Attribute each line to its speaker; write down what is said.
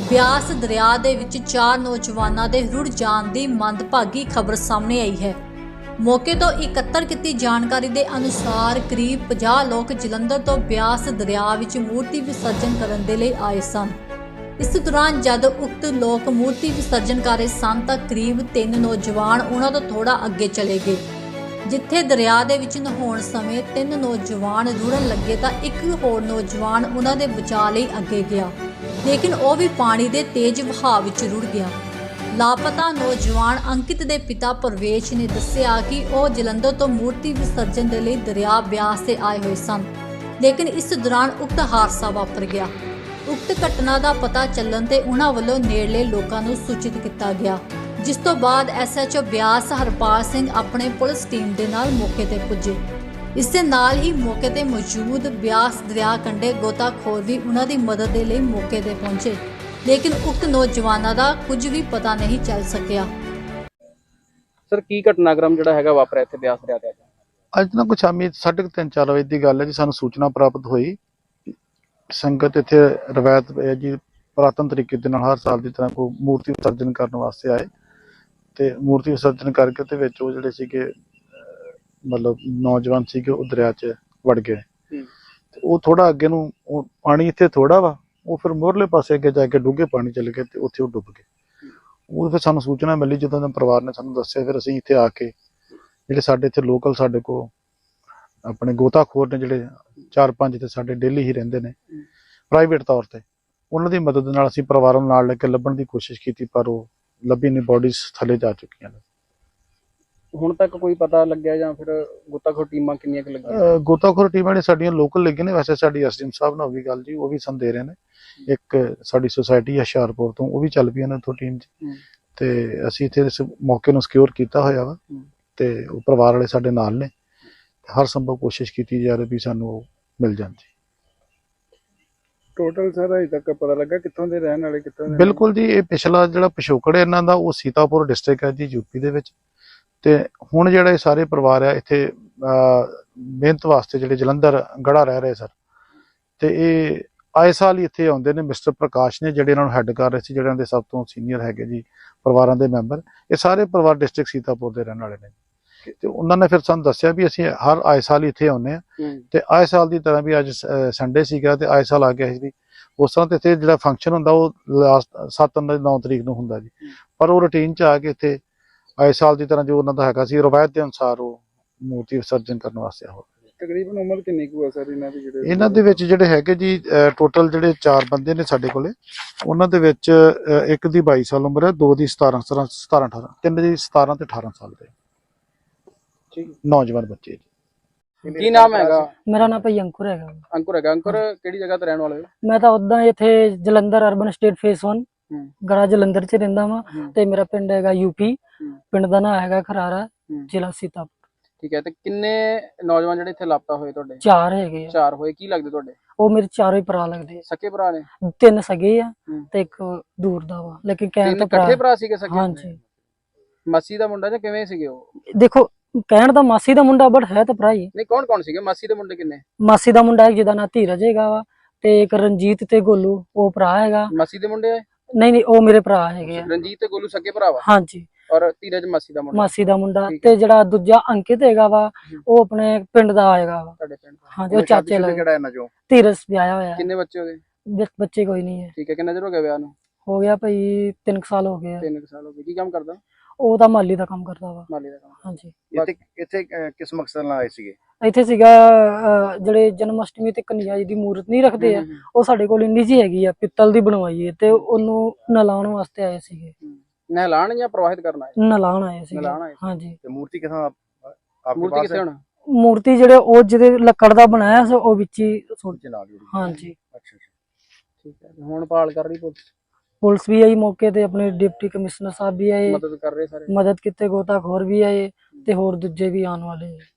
Speaker 1: ਬਿਆਸ ਦਰਿਆ ਦੇ ਵਿੱਚ 4 ਨੌਜਵਾਨਾਂ ਦੇ ਰੁੜ ਜਾਣ ਦੀ ਮੰਦਭਾਗੀ ਖਬਰ ਸਾਹਮਣੇ ਆਈ ਹੈ। ਮੌਕੇ ਤੋਂ ਇਕੱਤਰ ਕੀਤੀ ਜਾਣਕਾਰੀ ਦੇ ਅਨੁਸਾਰ ਕਰੀਬ 50 ਲੋਕ ਜਲੰਧਰ ਤੋਂ ਬਿਆਸ ਦਰਿਆ ਵਿੱਚ ਮੂਰਤੀ ਵਿਸਰਜਨ ਕਰਨ ਦੇ ਲਈ ਆਏ ਸਨ। ਇਸ ਦੌਰਾਨ ਜਦ ਉਕਤ ਲੋਕ ਮੂਰਤੀ ਵਿਸਰਜਨ ਕਰ ਰਹੇ ਸਨ ਤਾਂ ਕਰੀਬ 3 ਨੌਜਵਾਨ ਉਹਨਾਂ ਤੋਂ ਥੋੜਾ ਅੱਗੇ ਚਲੇ ਗਏ, ਜਿੱਥੇ ਦਰਿਆ ਦੇ ਵਿੱਚ ਨਹਾਉਣ ਸਮੇਂ 3 ਨੌਜਵਾਨ ਰੁੜਨ ਲੱਗੇ ਤਾਂ ਇੱਕ ਹੋਰ ਨੌਜਵਾਨ ਉਹਨਾਂ ਦੇ ਬਚਾਅ ਲਈ ਅੱਗੇ ਗਿਆ, ਲੇਕਿਨ ਉਹ ਵੀ ਪਾਣੀ ਦੇ ਤੇਜ਼ ਵਹਾਅ ਵਿੱਚ ਰੁੜ ਗਿਆ। ਲਾਪਤਾ ਨੌਜਵਾਨ ਅੰਕਿਤ ਦੇ ਪਿਤਾ ਪ੍ਰਵੇਸ਼ ਨੇ ਦੱਸਿਆ ਕਿ ਉਹ ਜਲੰਧਰ ਤੋਂ ਮੂਰਤੀ ਵਿਸਰਜਨ ਦੇ ਲਈ ਦਰਿਆ ਬਿਆਸ ਤੇ ਆਏ ਹੋਏ ਸਨ, ਲੇਕਿਨ ਇਸ ਦੌਰਾਨ ਉਕਤ ਹਾਦਸਾ ਵਾਪਰ ਗਿਆ। ਉਕਤ ਘਟਨਾ ਦਾ ਪਤਾ ਚੱਲਣ ਤੇ ਉਹਨਾਂ ਵੱਲੋਂ ਨੇੜਲੇ ਲੋਕਾਂ ਨੂੰ ਸੂਚਿਤ ਕੀਤਾ ਗਿਆ, ਜਿਸ ਤੋਂ ਬਾਅਦ ਐਸਐਚਓ ਬਿਆਸ ਹਰਪਾਲ ਸਿੰਘ ਆਪਣੇ ਪੁਲਿਸ ਟੀਮ ਦੇ ਨਾਲ ਮੌਕੇ ਤੇ ਪੁੱਜੇ। ਇਸ ਦੇ ਨਾਲ ਹੀ ਮੌਕੇ ਤੇ ਮੌਜੂਦ ਬਿਆਸ ਦਰਿਆ ਕੰਢੇ ਗੋਤਾਖੋਰ ਵੀ ਉਹਨਾਂ ਦੀ ਮਦਦ ਦੇ ਲਈ ਮੌਕੇ ਤੇ ਪਹੁੰਚੇ, ਲੇਕਿਨ ਉਕਤ ਨੌਜਵਾਨਾਂ ਦਾ ਕੁਝ ਵੀ ਪਤਾ ਨਹੀਂ ਚੱਲ ਸਕਿਆ।
Speaker 2: ਸਰ ਕੀ ਘਟਨਾਕ੍ਰਮ ਜਿਹੜਾ ਹੈਗਾ ਵਾਪਰਿਆ ਇੱਥੇ ਬਿਆਸ ਦਰਿਆ ਤੇ? ਅੱਜ
Speaker 3: ਨਾ ਕੁਛ ਸ਼ਾਮੀ 3:30-4 ਵਜੇ ਦੀ ਗੱਲ ਹੈ ਜੀ। ਸਾਨੂੰ ਸੂਚਨਾ ਪ੍ਰਾਪਤ ਹੋਈ, ਸੰਗਤ ਇੱਥੇ ਰਵਾਇਤ ਜੀ ਪੁਰਾਤਨ ਤਰੀਕੇ ਦੇ ਨਾਲ ਹਰ ਸਾਲ ਦੀ ਤਰ੍ਹਾਂ ਕੋਈ ਮੂਰਤੀ ਵਿਸਰਜਨ ਕਰਨ ਵਾਸਤੇ ਆਏ ਤੇ ਮੂਰਤੀ ਵਿਸਰਜਨ ਕਰਕੇ ਤੇ ਵਿੱਚ ਉਹ ਜਿਹੜੇ ਸੀਗੇ ਮਤਲਬ ਨੌਜਵਾਨ ਸੀਗੇ ਉਹ ਦਰਿਆ 'ਚ ਵੜ ਗਏ। ਤੇ ਉਹ ਥੋੜਾ ਅੱਗੇ ਨੂੰ ਪਾਣੀ ਇੱਥੇ ਥੋੜਾ ਵਾ, ਉਹ ਫਿਰ ਮੋਰਲੇ ਪਾਸੇ ਅੱਗੇ ਜਾ ਕੇ ਡੂੰਘੇ ਪਾਣੀ ਚਲੇ ਗਏ ਤੇ ਉੱਥੇ ਉਹ ਡੁੱਬ ਗਏ। ਉਹ ਫਿਰ ਸਾਨੂੰ ਸੂਚਨਾ ਮਿਲੀ, ਜਦੋਂ ਦਾ ਪਰਿਵਾਰ ਨੇ ਸਾਨੂੰ ਦੱਸਿਆ ਫਿਰ ਅਸੀਂ ਇੱਥੇ ਆ ਕੇ ਜਿਹੜੇ ਸਾਡੇ ਇੱਥੇ ਲੋਕਲ ਸਾਡੇ ਕੋਲ ਆਪਣੇ ਗੋਤਾਖੋਰ ਨੇ ਜਿਹੜੇ 4-5 ਤੇ ਸਾਡੇ ਡੇਲੀ ਹੀ ਰਹਿੰਦੇ ਨੇ ਪ੍ਰਾਈਵੇਟ ਤੌਰ ਤੇ, ਉਹਨਾਂ ਦੀ ਮਦਦ ਨਾਲ ਅਸੀਂ ਪਰਿਵਾਰਾਂ ਨੂੰ ਨਾਲ ਲੈ ਕੇ ਲੱਭਣ ਦੀ ਕੋਸ਼ਿਸ਼ ਕੀਤੀ, ਪਰ ਉਹ ਲੱਭੀ ਨਹੀਂ, ਬੋਡੀਜ਼ ਥੱਲੇ ਜਾ ਚੁੱਕੀਆਂ ਨੇ।
Speaker 2: ਹੁਣ ਤੱਕ ਕੋਈ ਪਤਾ ਲੱਗਿਆ ਜਾਂ ਫਿਰ ਗੋਤਾਖੋਰ ਟੀਮਾਂ ਕਿੰਨੀਆਂ ਕੁ ਲੱਗੀਆਂ?
Speaker 3: ਗੋਤਾਖੋਰ ਟੀਮਾਂ ਨੇ ਸਾਡੀਆਂ ਲੋਕਲ ਲੱਗੀਆਂ ਨੇ। ਵੈਸੇ ਸਾਡੀ ਐਸਡੀਐਮ ਸਾਹਿਬ ਨਾਲ ਵੀ ਗੱਲ ਜੀ, ਉਹ ਵੀ ਸਾਨੂੰ ਦੇ ਰਹੇ ਨੇ। ਇੱਕ ਸਾਡੀ ਸੁਸਾਇਟੀ ਹੁਸ਼ਿਆਰਪੁਰ ਤੋਂ ਉਹ ਵੀ ਚੱਲ ਪਈ ਇਹਨਾਂ ਤੋਂ ਟੀਮ 'ਚ, ਤੇ ਅਸੀਂ ਇੱਥੇ ਇਸ ਮੌਕੇ ਨੂੰ ਸਿਕਿਉਰ ਕੀਤਾ ਹੋਇਆ ਵਾ ਤੇ ਉਹ ਪਰਿਵਾਰ ਵਾਲੇ ਸਾਡੇ ਨਾਲ ਨੇ। ਹਰ ਸੰਭਵ ਕੋਸ਼ਿਸ਼ ਕੀਤੀ ਜਾ ਰਹੀ ਵੀ ਸਾਨੂੰ ਉਹ ਮਿਲ ਜਾਣ ਜੀ।
Speaker 2: ਟੋਟਲ ਸਰ ਅਜੇ ਤੱਕ ਪਤਾ ਲੱਗਾ ਕਿੱਥੋਂ ਦੇ ਰਹਿਣ ਵਾਲੇ ਕਿੱਥੋਂ ਦੇ?
Speaker 3: ਬਿਲਕੁਲ ਜੀ, ਇਹ ਪਿਛਲਾ ਜਿਹੜਾ ਪਿਛੋਕੜ ਹੈ ਇਹਨਾਂ ਦਾ ਉਹ ਸੀਤਾਪੁਰ ਡਿਸਟ੍ਰਿਕਟ ਹੈ ਜੀ, ਯੂਪੀ ਦੇ ਵਿੱਚ। ਤੇ ਹੁਣ ਜਿਹੜਾ ਇਹ ਸਾਰੇ ਪਰਿਵਾਰ ਆ ਇੱਥੇ ਮਿਹਨਤ ਵਾਸਤੇ ਜਿਹੜੇ ਜਲੰਧਰ ਗੜਾ ਰਹਿ ਰਹੇ ਸਰ, ਤੇ ਇਹ ਆਏ ਸਾਲ ਹੀ ਇੱਥੇ ਆਉਂਦੇ ਨੇ। ਮਿਸਟਰ ਪ੍ਰਕਾਸ਼ ਨੇ ਜਿਹੜੇ ਇਹਨਾਂ ਨੂੰ ਹੈੱਡ ਕਰ ਰਹੇ ਸੀ, ਜਿਹੜਿਆਂ ਦੇ ਸਭ ਤੋਂ ਸੀਨੀਅਰ ਹੈਗੇ ਜੀ ਪਰਿਵਾਰਾਂ ਦੇ ਮੈਂਬਰ, ਇਹ ਸਾਰੇ ਪਰਿਵਾਰ ਡਿਸਟ੍ਰਿਕਟ ਸੀਤਾਪੁਰ ਦੇ ਰਹਿਣ ਵਾਲੇ ਨੇ। ਤੇ ਉਹਨਾਂ ਨੇ ਫਿਰ ਸਾਨੂੰ ਦੱਸਿਆ ਵੀ ਅਸੀਂ ਹਰ ਆਏ ਸਾਲ ਹੀ ਇੱਥੇ ਆਉਂਦੇ ਆ, ਤੇ ਆਏ ਸਾਲ ਦੀ ਤਰ੍ਹਾਂ ਵੀ ਅੱਜ ਸੰਡੇ ਸੀਗਾ ਤੇ ਆਏ ਸਾਲ ਆ ਗਿਆ ਸੀ ਵੀ ਉਸ ਤਰ੍ਹਾਂ। ਤੇ ਇੱਥੇ ਜਿਹੜਾ ਫੰਕਸ਼ਨ ਹੁੰਦਾ ਉਹ ਲਾਸਟ 7-9 ਤਰੀਕ ਨੂੰ ਹੁੰਦਾ ਜੀ, ਪਰ ਉਹ ਰੂਟੀਨ 'ਚ ਆ ਕੇ ਇੱਥੇ ਆਏ ਸਾਲ ਦੀ ਤਰ੍ਹਾਂ ਜੋ ਉਹਨਾਂ ਦਾ ਹੈਗਾ ਸੀ ਰਵਾਇਤ ਦੇ ਅਨੁਸਾਰ ਉਹ ਮੂਰਤੀ ਵਿਸਰਜਨ ਕਰਨ ਵਾਸਤੇ ਹੋ।
Speaker 2: ਤਕਰੀਬਨ ਉਮਰ ਕਿੰਨੀ ਕੁ ਹੈ ਸਰ ਇਹਨਾਂ ਦੀ?
Speaker 3: ਇਹਨਾਂ ਦੇ ਵਿੱਚ ਜਿਹੜੇ ਹੈਗੇ ਜੀ ਟੋਟਲ ਜਿਹੜੇ 4 ਬੰਦੇ ਨੇ ਸਾਡੇ ਕੋਲੇ, ਉਹਨਾਂ ਦੇ ਵਿੱਚ ਇੱਕ ਦੀ 22 ਸਾਲ ਉਮਰ ਹੈ, 2 ਦੀ 17, 18, 3 ਦੀ 17 ਤੇ 18 ਸਾਲ ਦੇ ਨੌਜਵਾਨ ਬੱਚੇ ਜੀ।
Speaker 2: ਕੀ ਨਾਮ ਹੈਗਾ?
Speaker 4: ਮੇਰਾ ਨਾਮ ਭਾਈ ਅੰਕੁਰ ਹੈਗਾ।
Speaker 2: ਅੰਕੁਰ ਹੈਗਾ। ਅੰਕੁਰ ਕਿਹੜੀ ਜਗ੍ਹਾ ਤੇ ਰਹਿਣ ਵਾਲੇ ਹੋ?
Speaker 4: ਮੈਂ ਤਾਂ ਉਦਾਂ ਇੱਥੇ ਜਲੰਧਰ ਅਰਬਨ ਸਟੇਟ ਫੇਸ 1 ਗਰਾ ਜਲੰਧਰ 'ਚ ਰਹਿੰਦਾ ਵਾਂ, ਤੇ ਮੇਰਾ ਪਿੰਡ ਹੈਗਾ ਯੂਪੀ। ਪਿੰਡ ਦਾ ਨਾਮ ਹੈਗਾ ਖਰਾਰਾ, ਜ਼ਿਲ੍ਹਾ ਸੀਤਾਪੁਰ।
Speaker 2: ਠੀਕ ਹੈ। ਤੇ ਕਿੰਨੇ ਨੌਜਵਾਨ ਜਿਹੜੇ ਇੱਥੇ ਲਾਪਤਾ ਹੋਏ ਤੁਹਾਡੇ?
Speaker 4: 4 ਹੈਗੇ ਆ।
Speaker 2: 4 ਹੋਏ। ਕੀ ਲੱਗਦੇ ਤੁਹਾਡੇ?
Speaker 4: ਉਹ ਮੇਰੇ ਚਾਰੋਂ ਹੀ ਭਰਾ ਲੱਗਦੇ।
Speaker 2: ਸਕੇ ਭਰਾ ਨੇ?
Speaker 4: 3 ਸਗੇ ਆ ਤੇ ਇੱਕ ਦੂਰ ਦਾ ਵਾ, ਲੇਕਿਨ ਕਹਿਣ ਤਾਂ
Speaker 2: ਇਕੱਠੇ ਭਰਾ ਸੀਗੇ ਸਕੇ?
Speaker 4: ਹਾਂਜੀ।
Speaker 2: ਮਾਸੀ ਦਾ ਮੁੰਡਾ ਜਾਂ ਕਿਵੇਂ ਸੀਗੇ ਉਹ?
Speaker 4: ਦੇਖੋ ਕਹਿਣ ਦਾ ਮਾਸੀ ਦਾ ਮੁੰਡਾ, ਬਟ ਹੈ ਤਾਂ ਭਰਾ ਹੀ।
Speaker 2: ਨਹੀਂ, ਕੌਣ ਕੌਣ ਸੀਗੇ ਮਾਸੀ ਦੇ ਮੁੰਡੇ? ਕਿੰਨੇ?
Speaker 4: ਮਾਸੀ ਦਾ ਮੁੰਡਾ ਜਿਹਦਾ ਨਾਂ ਧੀਰਜ ਹੈਗਾ ਵਾ, ਤੇ ਇੱਕ ਰਣਜੀਤ ਤੇ ਗੋਲੂ, ਉਹ ਭਰਾ ਹੈਗਾ।
Speaker 2: ਮਾਸੀ ਦੇ ਮੁੰਡੇ?
Speaker 4: ਨਹੀਂ, ਉਹ ਮੇਰੇ ਭਰਾ ਹੈਗੇ ਆ।
Speaker 2: ਰਣਜੀਤ ਤੇ ਗੋਲੂ ਸਕੇ ਭਰਾ ਵਾ?
Speaker 4: ਹਾਂਜੀ।
Speaker 2: ਔਰ ਧੀਰਜ ਮਾਸੀ ਦਾ ਮੁੰਡਾ?
Speaker 4: ਮਾਸੀ ਦਾ ਮੁੰਡਾ। ਤੇ ਜਿਹੜਾ ਦੂਜਾ ਅੰਕਿਤ ਹੈਗਾ ਵਾ, ਉਹ ਆਪਣੇ ਪਿੰਡ ਦਾ ਹੈਗਾ ਵਾ।
Speaker 2: ਤੁਹਾਡੇ ਪਿੰਡ?
Speaker 4: ਹਾਂਜੀ, ਉਹ ਚਾਚੇ ਲੱਗਦਾ।
Speaker 2: ਕਿਹੜਾ ਇਹਨਾਂ ਚੋਂ?
Speaker 4: ਧੀਰਜ ਵਿਆਹਿਆ ਹੋਇਆ।
Speaker 2: ਕਿੰਨੇ ਬੱਚੇ ਹੋਗੇ?
Speaker 4: ਬੱਚੇ ਕੋਈ ਨਹੀਂ ਹੈ।
Speaker 2: ਠੀਕ ਹੈ। ਕਿੰਨਾ ਚਿਰ ਹੋ ਗਿਆ ਵਿਆਹ ਨੂੰ?
Speaker 4: ਹੋ ਗਿਆ ਭਾਈ 3 ਸਾਲ ਹੋ ਗਏ।
Speaker 2: 3 ਸਾਲ ਹੋ ਗਏ। ਕੀ ਕੰਮ ਕਰਦਾ?
Speaker 4: ਉਹ ਤਾਂ ਮਾਲੀ ਦਾ ਕੰਮ ਕਰਦਾ ਵਾ।
Speaker 2: ਮਾਲੀ ਦਾ ਕੰਮ।
Speaker 4: ਹਾਂਜੀ।
Speaker 3: ਇੱਥੇ ਕਿਸ ਮਕਸਦ ਨਾਲ ਆਏ ਸੀਗੇ?
Speaker 4: ਇੱਥੇ ਸੀਗਾ ਜਿਹੜੇ ਜਨਮ ਅਸ਼ਟਮੀ ਤੇ ਕਨਿਆ ਜੀ ਦੀ ਮੂਰਤ ਨਹੀਂ ਰੱਖਦੇ ਆ, ਉਹ ਸਾਡੇ ਕੋਲ ਇੰਨੀ ਜੀ ਹੈਗੀ ਆ, ਪਿੱਤਲ ਦੀ ਬਣਵਾਈ ਹੈ, ਤੇ ਉਹਨੂੰ ਨਲਾਉਣ ਵਾਸਤੇ ਆਏ ਸੀਗੇ।
Speaker 2: ਨਹਿਲਾਣ ਜਾਂ ਪ੍ਰਵਾਹਿਤ ਕਰਨਾ ਹੈ?
Speaker 4: ਨਲਾਉਣ ਆਏ ਸੀਗੇ। ਹਾਂਜੀ।
Speaker 3: ਤੇ ਮੂਰਤੀ ਕਿਥੋਂ?
Speaker 2: ਮੂਰਤੀ ਕਿੱਥੇ ਹੁਣ?
Speaker 4: ਮੂਰਤੀ ਜਿਹੜੇ ਉਹ ਜਿਹਦੇ ਲੱਕੜ ਦਾ ਬਣਾਇਆ ਸੀ, ਉਹ ਵਿੱਚ ਹੀ ਸੁੱਟ। ਹਾਂਜੀ।
Speaker 2: ਅੱਛਾ। ਠੀਕ ਹੈ। ਹੁਣ ਭਾਲ ਕਰ ਰਹੀ ਪੁਲਿਸ?
Speaker 4: ਪੁਲਿਸ ਵੀ ਆਈ ਮੌਕੇ ਤੇ, ਆਪਣੇ ਡਿਪਟੀ ਕਮਿਸ਼ਨਰ ਸਾਹਿਬ ਵੀ ਆਏ,
Speaker 2: ਮਦਦ ਕਰ ਰਹੇ ਸਾਰੇ,
Speaker 4: ਮਦਦ ਕੀਤੇ, ਗੋਤਾਖੋਰ ਵੀ ਆਏ, ਤੇ ਹੋਰ ਦੂਜੇ ਵੀ ਆਉਣ ਵਾਲੇ।